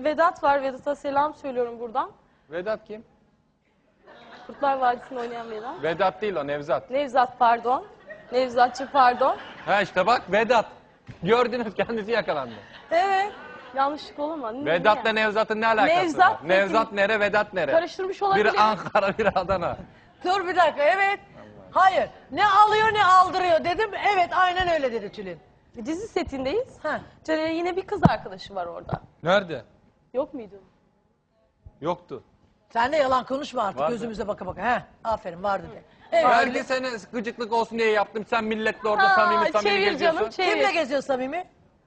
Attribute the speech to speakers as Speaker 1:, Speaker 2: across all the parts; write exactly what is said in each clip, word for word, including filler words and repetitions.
Speaker 1: Vedat var. Vedat'a selam söylüyorum buradan.
Speaker 2: Vedat kim?
Speaker 1: Kurtlar Vadisi'nde oynayan Vedat.
Speaker 2: Vedat değil o, Nevzat.
Speaker 1: Nevzat pardon. Nevzatçı pardon.
Speaker 2: Ha işte bak Vedat. Gördünüz, kendisi yakalandı.
Speaker 1: Evet. Yanlışlık olur mu?
Speaker 2: Vedat'la Nevzat'ın ne alakası
Speaker 1: Nevzat
Speaker 2: var?
Speaker 1: peki-
Speaker 2: Nevzat nere, Vedat nere?
Speaker 1: Karıştırmış olabilir.
Speaker 2: Biri Ankara, biri Adana.
Speaker 3: Dur bir dakika, evet. Hayır, ne alıyor ne aldırıyor dedim. Evet, aynen öyle dedi Tülin.
Speaker 1: Dizi setindeyiz.
Speaker 3: Ha.
Speaker 1: Caner'in yine bir kız arkadaşı var orada.
Speaker 2: Nerede?
Speaker 1: Yok muydu?
Speaker 2: Yoktu.
Speaker 3: Sen de yalan konuşma artık,
Speaker 2: Vardı.
Speaker 3: gözümüze baka baka. He, aferin vardı de. Evet.
Speaker 2: Belki seni gıcıklık olsun diye yaptım. Sen milletle orada
Speaker 1: Ha,
Speaker 2: samimi samimi
Speaker 1: çevir
Speaker 2: geziyorsun.
Speaker 1: canım, çevir.
Speaker 3: Kimle geziyor samimi?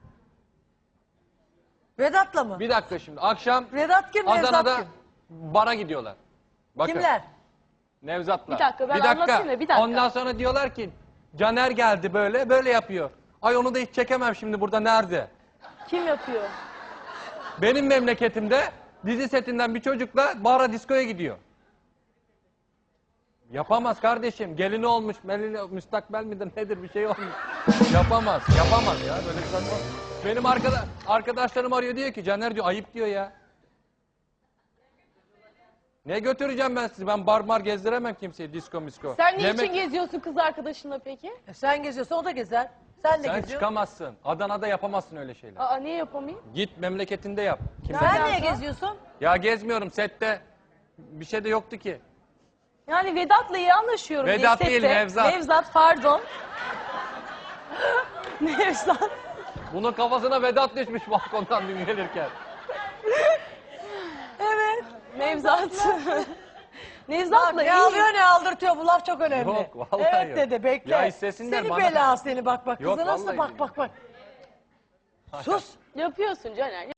Speaker 3: Vedat'la mı?
Speaker 2: Bir dakika şimdi. Akşam
Speaker 3: Vedat kim,
Speaker 2: Adana'da
Speaker 3: Nevzat kim?
Speaker 2: bara gidiyorlar. Bakın.
Speaker 3: Kimler?
Speaker 2: Nevzat'la.
Speaker 1: Bir dakika, ben anlatayım da, bir dakika.
Speaker 2: Ondan sonra diyorlar ki Caner geldi böyle, böyle yapıyor. Ay onu da hiç çekemem şimdi burada, nerede?
Speaker 1: Kim yapıyor?
Speaker 2: Benim memleketimde dizi setinden bir çocukla bara diskoya gidiyor. Yapamaz kardeşim. Gelini olmuş, melini, müstakbel midir nedir bir şey olmuş. Yapamaz, yapamaz ya böyle bir saçma. Benim arkada, arkadaşlarım arıyor, diyor ki Caner diyor ayıp diyor ya. Ne götüreceğim ben sizi? Ben bar mar gezdiremem kimseyi, disko misko.
Speaker 1: Sen niçin
Speaker 2: Yemek-
Speaker 1: geziyorsun kız arkadaşınla peki?
Speaker 3: E, sen geziyorsan o da gezer. Sen de
Speaker 2: Sen
Speaker 3: geziyorsun.
Speaker 2: çıkamazsın. Adana'da yapamazsın öyle şeyler.
Speaker 1: Aa niye yapamayayım?
Speaker 2: Git memleketinde yap. Kimse-
Speaker 3: Sen
Speaker 1: Nereden
Speaker 3: niye
Speaker 1: sonra?
Speaker 3: geziyorsun?
Speaker 2: Ya gezmiyorum sette. Bir şey de yoktu ki.
Speaker 1: Yani Vedat'la iyi anlaşıyorum.
Speaker 2: Vedat
Speaker 1: diye
Speaker 2: değil,
Speaker 1: sette.
Speaker 2: Nevzat.
Speaker 1: Nevzat pardon. Nevzat.
Speaker 2: Bunun kafasına Vedat düşmüş balkondan dün gelirken.
Speaker 1: Evet. Nevzat.
Speaker 3: Bak,
Speaker 1: Nevzat'la
Speaker 3: ne
Speaker 1: iyi.
Speaker 3: alıyor ne aldırtıyor, bu laf çok önemli.
Speaker 2: Yok, vallahi
Speaker 3: evet
Speaker 2: yok.
Speaker 3: dedi, bekle.
Speaker 2: Ya istesinler
Speaker 3: seni
Speaker 2: bana-
Speaker 3: bela seni, bak bak
Speaker 2: Yok,
Speaker 3: kıza nasıl,
Speaker 2: vallahi
Speaker 3: bak
Speaker 2: değil.
Speaker 3: bak bak. Sus.
Speaker 1: Yapıyorsun Caner.